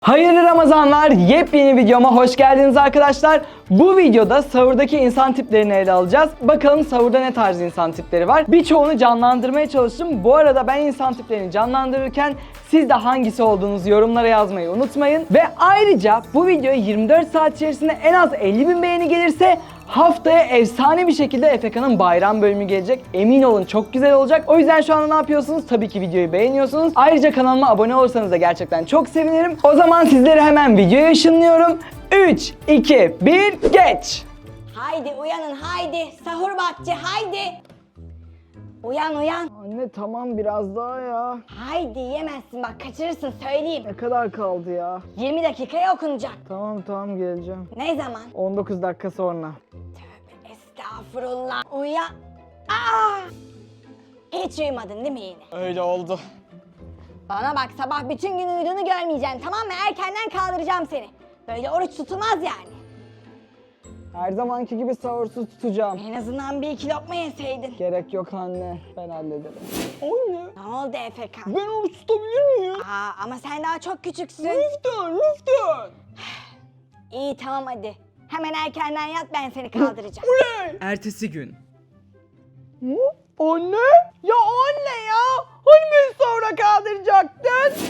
Hayırlı Ramazanlar, yepyeni videoma hoş geldiniz arkadaşlar. Bu videoda sahurdaki insan tiplerini ele alacağız. Bakalım sahurda ne tarz insan tipleri var. Birçoğunu canlandırmaya çalıştım. Bu arada ben insan tiplerini canlandırırken siz de hangisi olduğunuzu yorumlara yazmayı unutmayın. Ve ayrıca bu videoya 24 saat içerisinde en az 50.000 beğeni gelirse haftaya efsane bir şekilde Efeka'nın bayram bölümü gelecek. Emin olun çok güzel olacak. O yüzden şu anda ne yapıyorsunuz? Tabii ki videoyu beğeniyorsunuz. Ayrıca kanalıma abone olursanız da gerçekten çok sevinirim. O zaman sizleri hemen videoya ışınlıyorum. 3, 2, 1, geç! Haydi uyanın haydi. Sahur vakti haydi. Uyan uyan. Anne tamam biraz daha ya. Haydi yemezsin bak kaçırırsın söyleyeyim. Ne kadar kaldı ya? 20 dakikaya okunacak. Tamam geleceğim. Ne zaman? 19 dakika sonra. Tövbe estağfurullah. Uyan. Aa! Hiç uyumadın değil mi yine? Öyle oldu. Bana bak sabah bütün gün uyuduğunu görmeyeceksin tamam mı? Erkenden kaldıracağım seni. Böyle oruç tutulmaz yani. Her zamanki gibi sahursuz tutacağım. En azından bir iki lokma yeseydin. Gerek yok anne. Ben hallederim. Anne. Ne oldu Efekan? Ben oruç tutabilir miyim? Ama sen daha çok küçüksün. Lütfen. İyi tamam hadi. Hemen erkenden yat ben seni kaldıracağım. Ertesi gün. Anne? Ya anne ya! Hani beni sonra kaldıracaktın?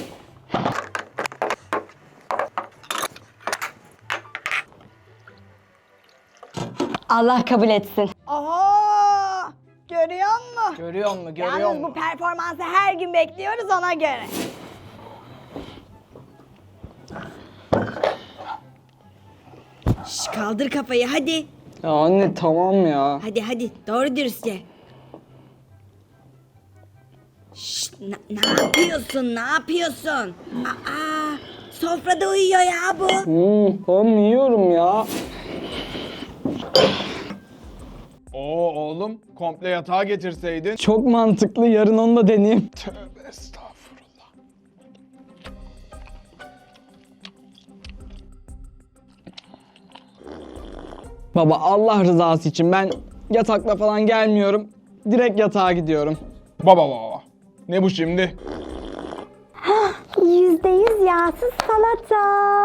Allah kabul etsin. Aha! Görüyor musun? Görüyor musun? Yalnız bu performansı her gün bekliyoruz ona göre. Kaldır kafayı hadi. Ya anne tamam ya. Hadi doğru dürüst ye. Ne yapıyorsun? Sofrada uyuyor ya bu. Tamam yiyorum ya. Oğlum komple yatağa getirseydin. Çok mantıklı. Yarın onu da deneyeyim. Tövbe estağfurullah. Baba Allah rızası için ben yatakla falan gelmiyorum. Direkt yatağa gidiyorum. Baba. Ne bu şimdi? %100 yağsız salata.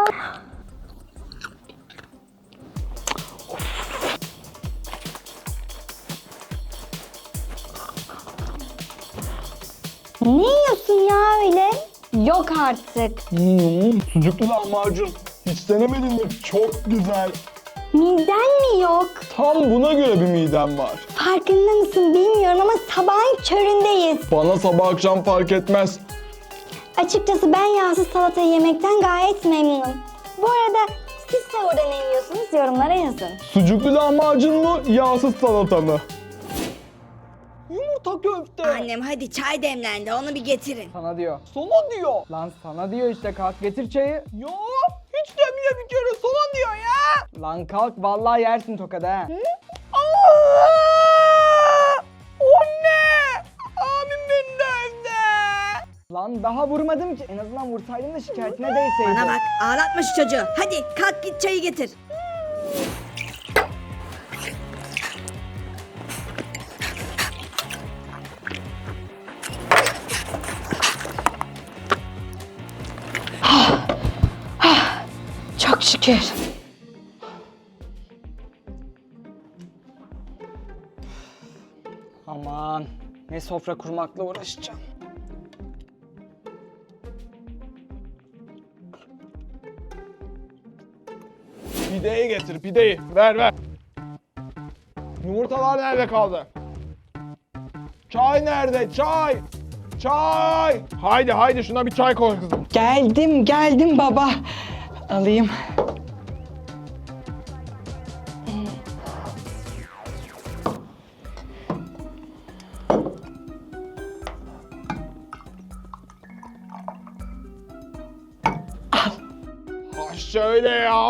Ne yiyorsun ya öyle? Yok artık. Sucuklu lahmacun. Hiç denemedin mi? Çok güzel. Miden mi yok? Tam buna göre bir midem var. Farkında mısın bilmiyorum ama sabahın köründeyiz. Bana sabah akşam fark etmez. Açıkçası ben yağsız salata yemekten gayet memnunum. Bu arada siz sahurda ne yiyorsunuz yorumlara yazın. Sucuklu lahmacun mu, yağsız salata mı? Yumurta köfte. Annem hadi çay demlendi onu bir getirin. Sana diyor. Sana diyor. Lan sana diyor işte kalk getir çayı. Ya hiç demiyor bir kere sana diyor ya. Lan kalk vallahi yersin tokadı ha. Anne! Abim beni dövdü. Lan daha vurmadım ki. En azından vursaydım da şikayetine değseydim. Bana bak ağlatma şu çocuğu. Hadi kalk git çayı getir. Çok şükür. Aman ne sofra kurmakla uğraşacağım. Pideyi getir, pideyi. Ver. Yumurtalar nerede kaldı? Çay nerede? Çay! Haydi şuna bir çay koy kızım. Geldim baba. Alayım. Ha şöyle ya.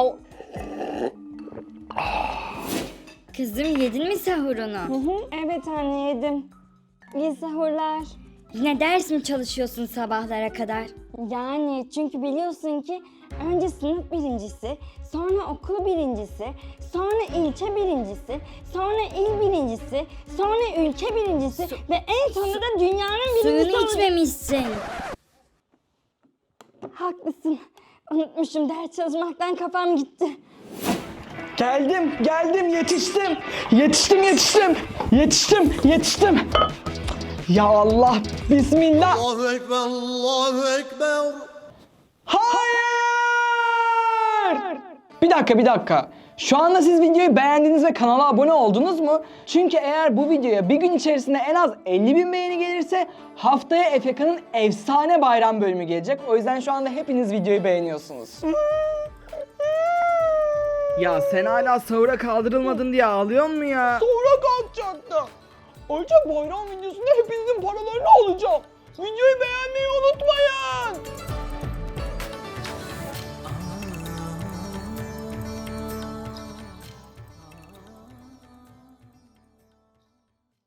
Kızım yedin mi sahurunu? Evet anne yedim. İyi sahurlar. Yine ders mi çalışıyorsun sabahlara kadar? Yani çünkü biliyorsun ki önce sınıf birincisi, sonra okul birincisi, sonra ilçe birincisi, sonra il birincisi, sonra ülke birincisi ve en sonunda da dünyanın birincisi Suyunu olacak. içmemişsin. Haklısın. Unutmuşum, ders çalışmaktan kafam gitti. Geldim, yetiştim. Ya Allah, bismillah. Allahu Ekber, Allahu Ekber. Hayır! Bir dakika. Şu anda siz videoyu beğendiniz ve kanala abone oldunuz mu? Çünkü eğer bu videoya bir gün içerisinde en az 50.000 beğeni gelirse haftaya Efeka'nın efsane bayram bölümü gelecek. O yüzden şu anda hepiniz videoyu beğeniyorsunuz. Ya sen hala sahura kaldırılmadın diye ağlıyor mu ya? Sonra kalkacaktım. Ayrıca bayram videosunda hepinizin paralarını alacağım. Videoyu beğenmeyi unutmayın.